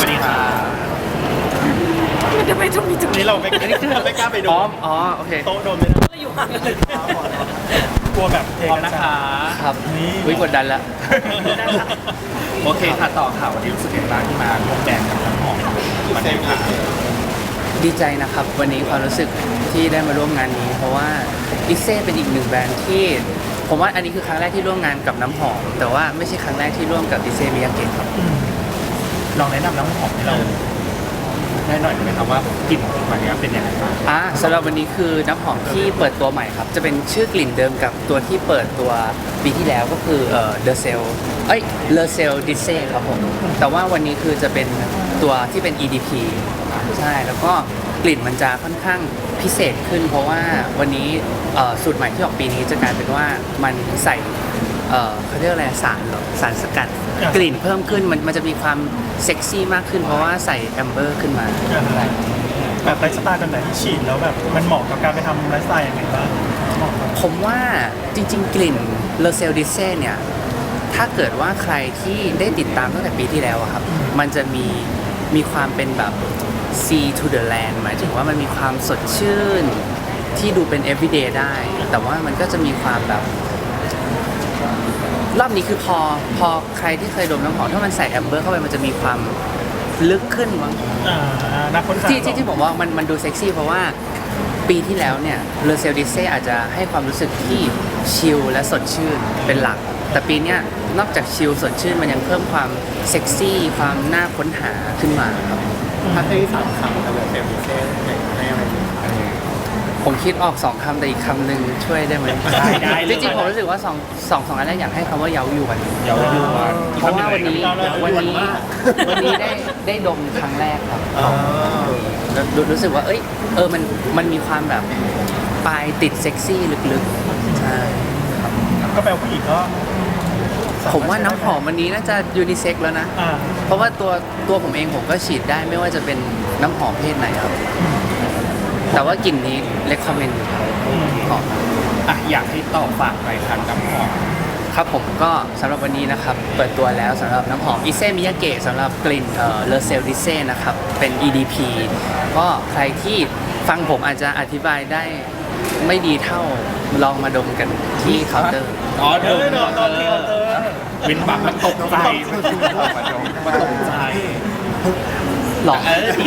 วัสดีค่ะทำไมต้องมีจุดนี่เราไม่กล้าไปดูอ๋อโอเคโต๊ะโดนไม่ได้อยู่ห่างกันเลยกลัวแบบเทพร้อมกันนะคะครับนี่วิกดดันละโอเคค่ะต่อข่าววันนี้รู้สึกยังไงบ้างที่มาร่วมแบรนด์กับน้ำหอมมันได้ค่ะดีใจนะครับวันนี้ความรู้สึกที่ได้มาร่วมงานนี้ เพราะว่าดิเซ่เป็นอีกหนึ่งแบรนด์ที่ผมว่าอันนี้คือครั้งแรกที่ร่วมงานกับน้ำหอมแต่ว่าไม่ใช่ครั้งแรกที่ร่วมกับดิเซ่มิยาเกะครับลองแนะนำน้ำหอมให้เราได้หน่อยได้ไหมครับว่ากลิ่นของมันเนี้ยเป็นยังไงบ้างสำหรับวันนี้คือน้ำหอมที่เปิดตัวใหม่ครับจะเป็นชื่อกลิ่นเดิมกับตัวที่เปิดตัวปีที่แล้วก็คือThe Cell Le Cell d i s e ครับผมแต่ว่าวันนี้คือจะเป็นตัวที่เป็น EDP ใช่แล้วก็กลิ่นมันจะค่อนข้างพิเศษขึ้น เพราะว่าวันนี้สูตรใหม่ที่ออกปีนี้จะกลายเป็นว่ามันใส่เขาเรียกอะไรสารสกัดกลิ่นเพิ่มขึ้นมันจะมีความเซ็กซี่มากขึ้น เพราะว่าใส่แอมเบอร์ขึ้นมาแบบไลฟ์สไตล์แบบไหนที่ฉีดแล้วแบบมันเหมาะกับการไปทำไลฟ์สไตล์ยังไงบ้างผมว่าจริงๆ กลิ่นเลเซลดิเซ่เนี่ยถ้าเกิดว่าใครที่ได้ติดตามตั้งแต่ปีที่แล้วอะครับมันจะมีความเป็นแบบ sea to the land หมายถึงว่ามันมีความสดชื่นที่ดูเป็น everyday ได้ แต่ว่ามันก็จะมีความแบบรอบนี้คือพอใครที่เคยดมน้ำหอมถ้ามันใส่แอมเบอร์เข้าไปมันจะมีความลึกขึ้นมั้งนักค้นหาที่ผมว่ามันดูเซ็กซี่เพราะว่าปีที่แล้วเนี่ยเลเซลดิเซ่อาจจะให้ความรู้สึกที่ชิลและสดชื่นเป็นหลัก แต่ปีเนี้ยนอกจากชิลสดชื่นมันยังเพิ่มความเซ็กซี่ความน่าค้นหาขึ้นมาครับถ้าเคย3 คำกับเซลล์เซ่ให้อะไรผมคิดออก2 คำแต่อีกคำหนึ่งช่วยได้ไหมได้เลยจริงๆผมรู้สึกว่าสองอันแรกอยากให้คำว่าเย้ายวนเดี๋ยวอยู่ว่าเพราะว่าวันนี้ได้ดมครั้งแรกครับรู้สึกว่ามันมีความแบบปลายติดเซ็กซี่ลึกๆใช่ก็แปลว่าผู้หญิงก็ผมว่าน้ำหอมวันนี้น่าจะยูนิเซ็กแล้วนะ เพราะว่าตัวผมเองผมก็ฉีดได้ไม่ว่าจะเป็นน้ำหอมเพศไหนครับ แต่ว่ากลิ่นนี้เลคคอมเมนต์หอมอยากให้ต่อฝากไปทางน้ำหอมครับผมก็สำหรับวันนี้นะครับเปิดตัวแล้วสำหรับน้ำหอมอิเซมิยาเกะสำหรับกลิ่นเลเซลดิเซ่นะครับเป็น EDP ก็ใครที่ฟังผมอาจจะอธิบายได้ไม่ดีเท่าลองมาดมกันที่เคาน์เตอร์อ๋อเดินตอนที่เราเจอวินบักมันตกใจมันตกใจหลอก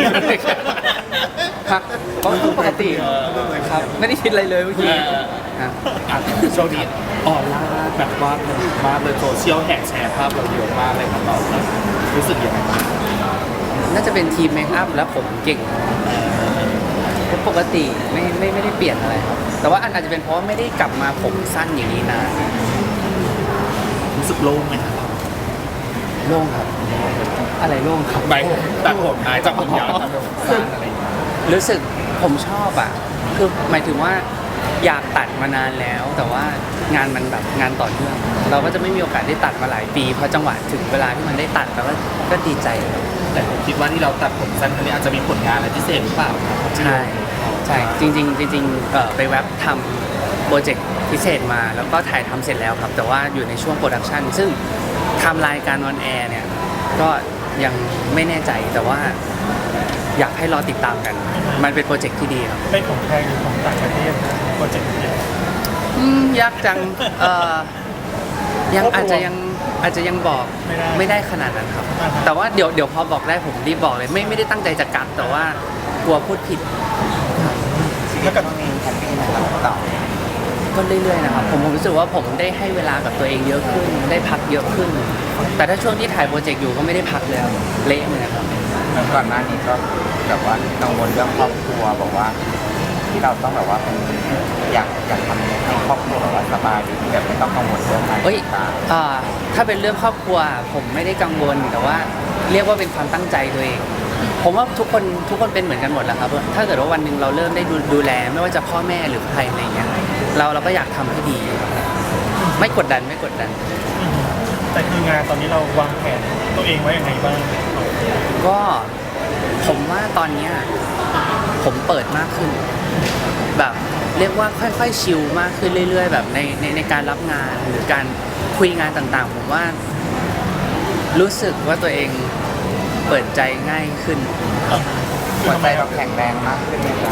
ครับก็ปกติครับไม่ได้คิดอะไรเลยเมื่อกี้ครับช่วงนี้ออนไลน์แบบว่ามาเลยโซเชียลแห่แชร์ภาพเราเยอะมากเลยครับเรารู้สึกยังไงบ้างน่าจะเป็นทีมเมคอัพและผมเก่งปกติไม่ได้เปลี่ยนอะไรครับแต่ว่าอาจจะเป็นเพราะว่าไม่ได้กลับมาผมสั้นอย่างนี้นานรู้สึกโล่งไหมครับโล่งครับอะไรโล่งครับใบตัดผมจากผมยาวตัดผมสั้นอะไรอย่างเงี้ยรู้สึกผมชอบอ่ะคือหมายถึงว่าอยากตัดมานานแล้ว แต่ว่างานมันแบบงานต่อเนื่องเราก็จะไม่มีโอกาสได้ตัดมาหลายปีพอจังหวะถึงเวลาที่มันได้ตัดแล้วก็ดีใจครับแต่ผมคิดว่าที่เราตัดผมสั้นครั้งนี้อาจจะมีผลงานอะไรพิเศษหรือเปล่าครับใช่จริงไปแว็บทำโปรเจกต์พิเศษมาแล้วก็ถ่ายทำเสร็จแล้วครับ แต่ว่าอยู่ในช่วงโปรดักชันซึ่งไทำรายการออนแอร์เนี่ยก็ยังไม่แน่ใจแต่ว่าอยากให้รอติดตามกัน มันเป็นโปรเจกต์ที่ดีครับเป็นของไทยหรือของต่างประเทศโปรเจกต์นี้ยากจังยังอาจจะยังบอกไม่ได้ขนาดนั้นครับ แต่ว่าเดี๋ยวพอบอกได้ผมรีบบอกเลยไม่ได้ตั้งใจจะกัดแต่ว่ากลัวพูดผิดแล้วกับก็เรื่อยๆนะครับผมรู้สึกว่าผมได้ให้เวลากับตัวเองเยอะขึ้นได้พักเยอะขึ้น แต่ถ้าช่วงที่ถ่ายโปรเจกต์อยู่ก็ไม่ได้พักเลยครับเละเลยนะครับก่อนหน้านี้ก็แบบว่ากังวลเรื่องครอบครัวบอกว่าที่เราต้องแบบว่าเป็นอยากทำให้ครอบครัวแบบว่าสบายดีแบบไม่ต้องกังวลเรื่องการเอ้ยตาถ้าเป็นเรื่องครอบครัวผมไม่ได้กังวลแต่ว่าเรียกว่าเป็นความตั้งใจตัวเอง ผมว่าทุกคนเป็นเหมือนกันหมดแหละครับถ้าเกิดว่าวันหนึ่งเราเริ่มได้ดูแลไม่ว่าจะพ่อแม่หรือใครอะไรเงี้ยเราก็อยากทำให้ดี ไม่กดดันแต่คืองานตอนนี้เราวางแผนตัวเองไว้ยังไงบ้างก็ผมว่าตอนเนี้ยผมเปิดมากขึ้น แบบเรียกว่าค่อยๆชิลมากขึ้นเรื่อยๆแบบในการรับงานหรือการคุยงานต่างๆผมว่ารู้สึกว่าตัวเองเปิดใจง่ายขึ้นหัวใจเราแข็งแรงมากขึ้นไหมครับ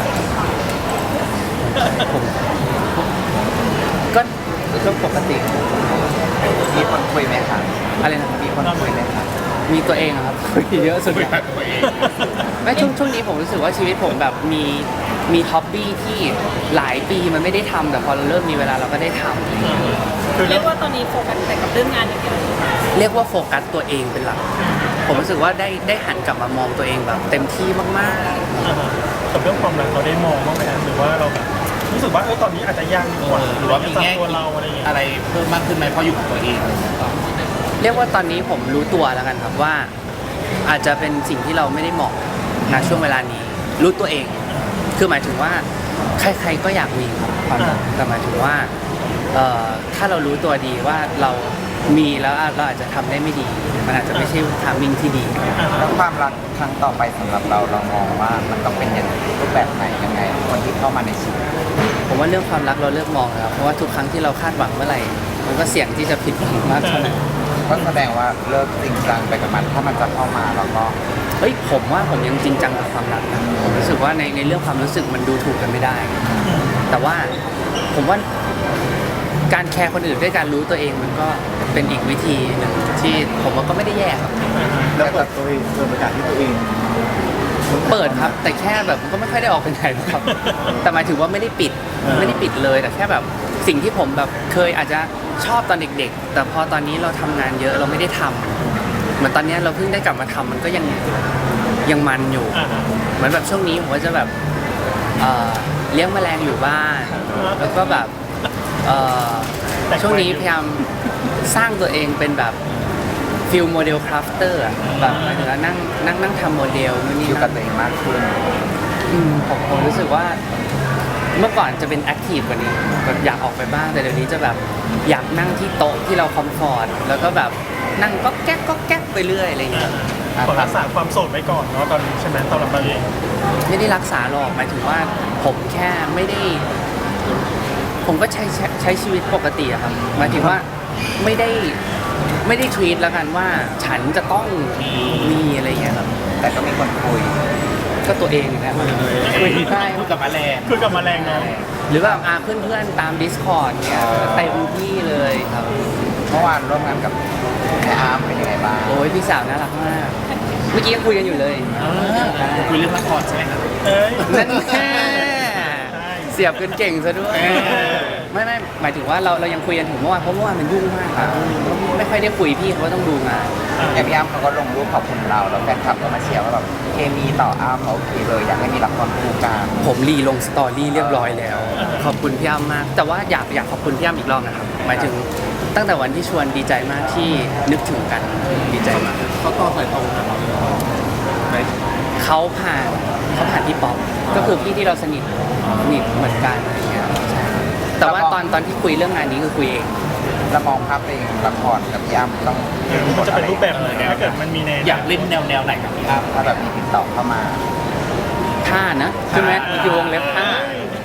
ก็ก็ปกติมีคนคุยไหมครับอะไรนะครับมีคนคุยไหมครับมีตัวเองอะครับ เยอะสุดไม่ช่วงนี้ผมรู้สึกว่าชีวิตผมแบบมีฮ็อบบี้ที่หลายปีมันไม่ได้ทำแต่พอเราเริ่มมีเวลาเราก็ได้ทำคือเรียกว่าตอนนี้โฟกัสแต่กับเรื่องงานอย่างเดียวเรียกว่าโฟกัสตัวเองเป็นหลัก ผมรู้สึกว่าได้หันกลับมามองตัวเองแบบเต็มที่มากกับเรื่องความรักเราได้มองบ้างไหมครับหรือว่าเราแบบรู้สึกว่าตอนนี้อาจจะยังดีกว่าหรือว่ามีแง่ตัวเราอะไรอย่างเงี้ยอะไรเพิ่มมากขึ้นไหมเพราะอยู่กับตัวเองๆ เรียกว่าตอนนี้ผมรู้ตัวแล้วกันครับว่า อาจจะเป็นสิ่งที่เราไม่ได้เหมาะณช่วงเวลานี้ รู้ตัวเอง คือหมายถึงว่าใครๆก็อยากมีครับความรักแต่หมายถึงว่าถ้าเรารู้ตัวดีว่าเรามีแล้วเราอาจจะทำได้ไม่ดี มันอาจจะไม่ใช่ทามมิ่งที่ดีแล้วความรักครั้งต่อไปสำหรับเรามองว่ามันต้องเป็นอย่างรูปแบบไหนยังไง คนที่เข้ามาในชีวิตผมว่าเรื่องความรักเราเลิกมองแล้วเพราะว่าทุกครั้งที่เราคาดหวังเมื่อไหร่ มันก็เสี่ยงที่จะผิดหวังมากเท่านั้นก็แสดงว่าเลิกจริงจังไปกับมันถ้ามันจะเข้ามาเราก็เฮ้ยผมว่าผมยังจริงจังกับความรักนะผมรู้สึกว่าในเรื่องความรู้สึกมันดูถูกกันไม่ได้ แต่ว่าผมว่าการแคร์คนอื่นด้วยการรู้ตัวเองมันก็เป็นอีกวิธีหนึ่งที่ผมว่าก็ไม่ได้แย่ครับแล้วเปิดตัวเองเปิดประกาศที่ตัวเองเปิดครับ แต่แค่แบบมันก็ไม่ค่อยได้ออกไปไหนหรอกครับ แต่หมายถึงว่าไม่ได้ปิดเลยแต่แค่แบบสิ่งที่ผมแบบเคยอาจจะชอบตอนเด็กๆ แต่พอตอนนี้เราทำงานเยอะเราไม่ได้ทำเหมือนตอนนี้เราเพิ่งได้กลับมาทำมันก็ยังมันอยู่ เหมือนแบบช่วงนี้ผมก็จะแบบเลี้ยงแมลงอยู่บ้าน แล้วก็แบบช่วงนี้พยายามสร้างตัวเองเป็นแบบฟิลโมเดลคราฟเตอร์แบบหมายถึงว่านั่งทำโมเดลนู่นนี่อยู่กับนั่นตัวเองมากขึ้นผมรู้สึกว่าเมื่อก่อนจะเป็นแอคทีฟกว่านี้แบบอยากออกไปบ้างแต่เดี๋ยวนี้จะแบบอยากนั่งที่โต๊ะที่เราคอมฟอร์ตแล้วก็แบบนั่งก็แก๊กไปเรื่อยอะไรอย่างเงี้ยขอรักษาความโสดไว้ก่อนเนาะตอนนี้ใช่ไหมสำหรับเราเองไม่ได้รักษาหรอกหมายถึงว่าผมแค่ไม่ได้ ผมก็ใช้ชีวิตปกติอะครับหมายถึงว่าไม่ได้ทวีตแล้วกันว่าฉันจะต้องมีอะไรอย่างเงี้ยครับแต่ก็มีคนคุยก็ตัวเองนะคุยได้พูดกับแมลงคือกับแมลงเนาะหรือแบบเพื่อนๆตาม Discord เนี่ยเต็มที่เลยครับเมื่อวานร่วมงานกับแม่อาร์มเป็นยังไงบ้างโอ้ยพี่สาวน่ารักมาก เมื่อกี้ยังคุยกันอยู่เลยคุยเรื่องละครใช่ไหมครับเอ้ยนั่นแน่เสียบกันเก่งซะด้วย ไม่หมายถึงว่าเรายังคุยกันถึงเมื่อวานเพราะเมื่อวานมันยุ่งมากครับไม่ค่อยได้คุยพี่เขาต้องดูงานอย่างพี่อาร์มเขาก็ลงรูปขอบคุณเราแล้วแฟนคลับก็มาเชียร์ว่าแบบเคมีต่ออาร์มโอเคเลยอยากให้มีละครคู่กันผมรีลงสตอรี่เรียบร้อยแล้ว ขอบคุณพี่อ้ำมาก แต่ว่าอยากขอบคุณพี่อ้ำอีกรอบนะครับ หมายถึงตั้งแต่วันที่ชวนดีใจมากที่นึกถึงกันดีใจมากเขาต่อสายตรงกับเราไหมเขาผ่านพี่ป๊อปก็คือพี่ที่เราสนิทเหมือนกันอะไรเงี้ยใช่แต่ว่าตอนที่คุยเรื่องงานนี้คือคุยเองแล้วมองภาพเป็นละครกับพี่อาร์มต้องมันจะเป็นรูปแบบไหนถ้าเกิดมันมีแนวอยากเล่นแนวไหนกับพี่อ้ำถ้าแบบมีติดต่อเข้ามาท่านะใช่ไหมอยู่วงเล็บท่า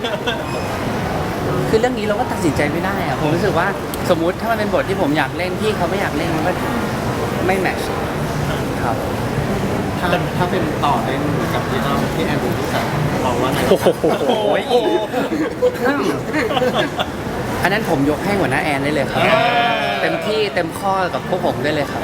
คือเรื่องนี้เราก็ตัดสินใจไม่ได้อะผมรู้สึกว่าสมมุติถ้ามันเป็นบทที่ผมอยากเล่นพี่เขาไม่อยากเล่นมันก็ไม่แมทช์ครับถ้าเป็นต่อเล่นกับพี่อ้ำพี่แอนดูพี่สาวเราว่าไงโอ้โหอันนั้นผมยกให้หัวหน้าแอนได้เลยครับ เต็มที่เต็มข้อกับพวกผมได้เลยครับ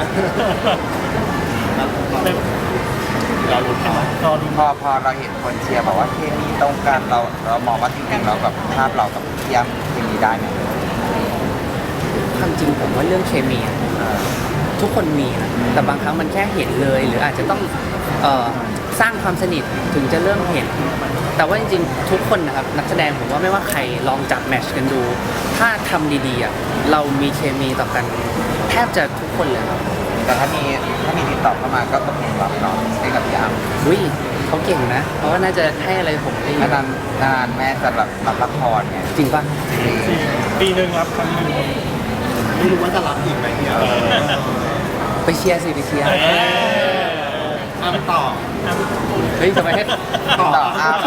เราลุ้นเนาะรอดูพอเราเห็นคนเชียร์บอกว่าเคมีตรงกันเรามองว่าจริงๆเราแบบภาพเรากับพี่อาร์มเคมีได้ไหมความจริงผมว่าเรื่องเคมีอะทุกคนมีนะแต่บางครั้งมันแค่เห็นเลย หรืออาจจะต้องสร้างความสนิทถึงจะเริ่มเห็น แต่ว่าจริงๆทุกคนนะครับนักแสดงผมว่าไม่ว่าใครลองจับแมทช์กันดู ถ้าทำดีๆอ่ะเรามีเคมีต่อกันแทบจะทุกคนเลยครับแต่ถ้ามีติดต่อเข้ามาก็ตกลงรับเนาะให้กับพี่อาร์มอุ้ยเขาเก่งนะ เพราะว่าน่าจะให้อะไรผมได้เยอะนานแม่จะรับละครไงจริงป่ะปีหนึ่งรับครั้งหนึ่งไม่รู้ว่าจะรับอีกไหมเนี่ยไปเชียร์สิไปเชียร์อ้ำต่อเฮ้ยทำไมให้ต่ออาร์ม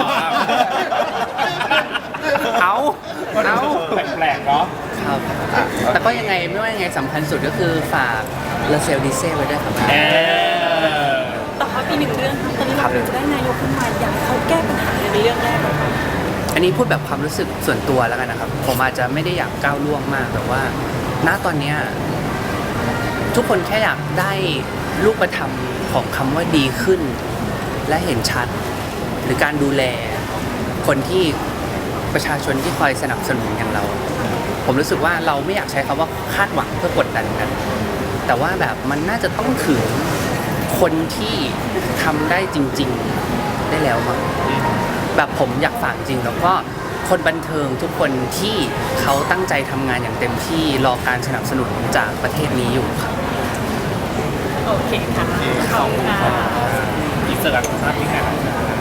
เอาแปลกๆเนาะครับ แต่ก็ยังไงไม่ว่ายังไงสำคัญสุดก็คือฝากเลเซลดิเซ่ไว้ด้วยครับเออแต่ครับอีกหนึ่งเรื่องครับตอนนี้เราจะได้นายกขึ้นมาอยากให้เขาแก้ปัญหาในเรื่องแรกก่อนครับอันนี้พูดแบบความรู้สึกส่วนตัวแล้วกันนะครับ ผมอาจจะไม่ได้อยากก้าวล่วงมากแต่ว่า ณตอนเนี้ยทุกคนแค่อยากได้รูปธรรมของคำว่าดีขึ้น และเห็นชัด หรือการดูแลคนที่ประชาชนที่คอยสนับสนุนอย่างเรา ผมรู้สึกว่าเราไม่อยากใช้คำว่าคาดหวังเพื่อกดดันกัน แต่ว่าแบบมันน่าจะต้องถึงคนที่ทำได้จริง ๆได้แล้วมั้ง แบบผมอยากฝากจริงแล้วก็คนบันเทิงทุกคนที่เขาตั้งใจทำงานอย่างเต็มที่รอการสนับสนุนจากประเทศนี้อยู่ครับโอเคค่ะขอบคุณค่ะอิสระภาพที่ไหน